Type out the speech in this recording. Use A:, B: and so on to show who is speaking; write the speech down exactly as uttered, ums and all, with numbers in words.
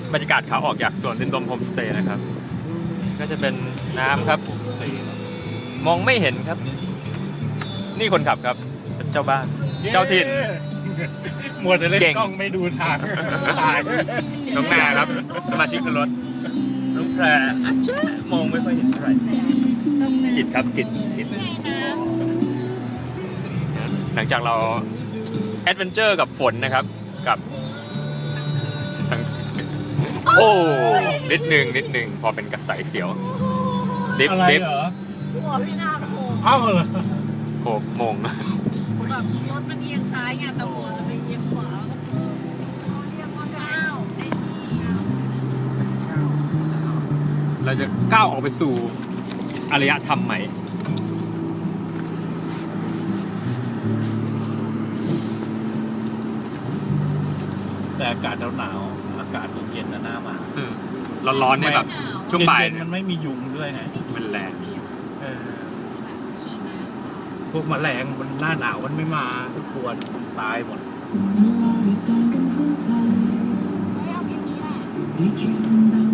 A: บรรยากาศขาออกจากสวนดินดมโฮมสเตย์นะครับก็จะเป็นน้ำครับมองไม่เห็นครับ นี่คนขับครับเป็นเจ้าบ้านเจ้าถิ่น
B: มัวแต่เล่น
A: เก่ง
B: กล้องไม่ดูทางตาย
A: น้องนาครับ สมาชิกในรถน้องแพรอาจจะมองไม่ค่อยเห็นเท่าไหร่กิดครับกิดกิดหลังจากเราแอดเวนเจอร์กับฝนนะครับกับทั้งโอ้นิดหนึ่งนิดหนึ่งพอเป็นกระสายเสียวดิฟ
B: อะไร
A: ดิฟ
B: เหรอ
C: หัวพี่นาโผล่
B: เอ้าเหรอ
A: โขกมง
C: แบบรถมันเอียงซ้ายไงแต่หัวเราไปเอียงขวาเขาเรียกว่าก้าวไอ้นี่
A: เราจะก้าวออกไปสู่อารยธรรมใหม่
B: แต่อากาศหนาวๆอากาศเย็นๆนะหน้ามา
A: ร้อนๆเนี่ยแบบช่วงบ่าย
B: เย็นๆมันไม่มียุงด้วยไง
A: มันแรง
B: เออพวกแมลงมันหน้าหนาวมันไม่มาทุกตัวตายหมด
C: เฮ้ยเอาเพลงนี้แหละ